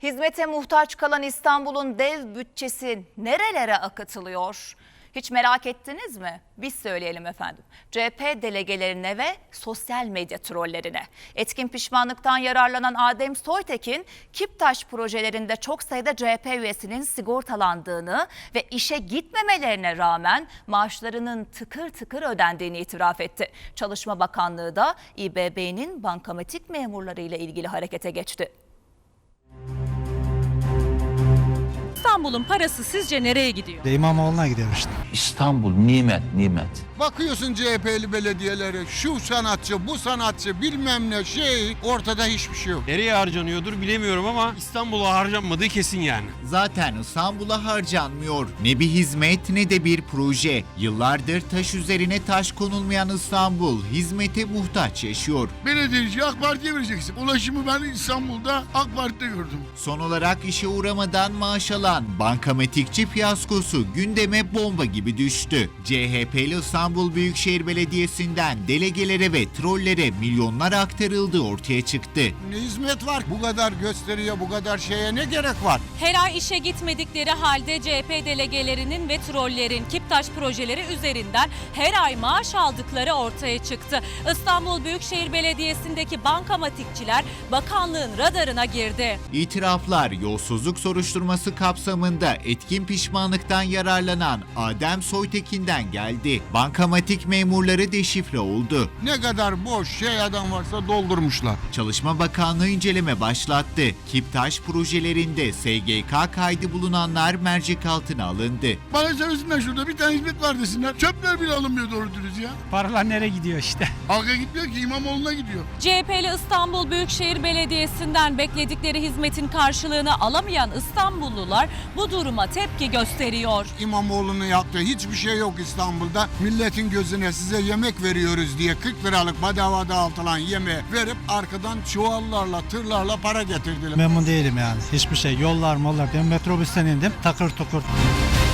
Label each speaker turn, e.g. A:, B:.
A: Hizmete muhtaç kalan İstanbul'un dev bütçesi nerelere akıtılıyor? Hiç merak ettiniz mi? Biz söyleyelim efendim. CHP delegelerine ve sosyal medya trollerine. Etkin pişmanlıktan yararlanan Adem Soytekin, Kiptaş projelerinde çok sayıda CHP üyesinin sigortalandığını ve işe gitmemelerine rağmen maaşlarının tıkır tıkır ödendiğini itiraf etti. Çalışma Bakanlığı da İBB'nin bankamatik memurları ile ilgili harekete geçti.
B: İstanbul'un parası sizce nereye gidiyor?
C: İmamoğlu'na gidiyor işte.
D: İstanbul nimet.
E: Bakıyorsun CHP'li belediyelere, şu sanatçı, bu sanatçı, bilmem ne şey, ortada hiçbir şey yok.
F: Nereye harcanıyordur bilemiyorum ama İstanbul'a harcanmadığı kesin yani.
G: Zaten İstanbul'a harcanmıyor. Ne bir hizmet ne de bir proje. Yıllardır taş üzerine taş konulmayan İstanbul hizmete muhtaç yaşıyor.
E: Belediyeci AK Parti'ye vereceksin. Ulaşımı ben İstanbul'da AK Parti'de gördüm.
G: Son olarak işe uğramadan maaş alan bankamatikçi fiyaskosu gündeme bomba gibi düştü. CHP'li İstanbul Büyükşehir Belediyesi'nden delegelere ve trollere milyonlar aktarıldığı ortaya çıktı.
E: Ne hizmet var? Bu kadar gösteriye, bu kadar şeye ne gerek var?
B: Her ay işe gitmedikleri halde CHP delegelerinin ve trollerin Kiptaş projeleri üzerinden her ay maaş aldıkları ortaya çıktı. İstanbul Büyükşehir Belediyesi'ndeki bankamatikçiler bakanlığın radarına girdi.
G: İtiraflar yolsuzluk soruşturması kapsamında etkin pişmanlıktan yararlanan Adem Soytekin'den geldi. Bankamatik memurları deşifre oldu.
E: Ne kadar boş şey adam varsa doldurmuşlar.
G: Çalışma Bakanlığı inceleme başlattı. Kiptaş projelerinde SGK kaydı bulunanlar mercek altına alındı.
E: Bana söylesinler şurada bir tane hizmet var desinler. Çöpler bile alınmıyor doğru dürüst ya.
C: Paralar nereye gidiyor işte?
E: Halka gitmiyor ki İmamoğlu'na gidiyor.
B: CHP'li İstanbul Büyükşehir Belediyesi'nden bekledikleri hizmetin karşılığını alamayan İstanbullular bu duruma tepki gösteriyor.
E: İmamoğlu'nun yaptığı hiçbir şey yok İstanbul'da. Milletin gözüne size yemek veriyoruz diye 40 liralık bedava dağıtılan yemeği verip arkadan çuvallarla, tırlarla para getirdiler.
C: Memnun değilim yani. Hiçbir şey. Yollar mollar. Ben metrobüsten indim. Takır tukur.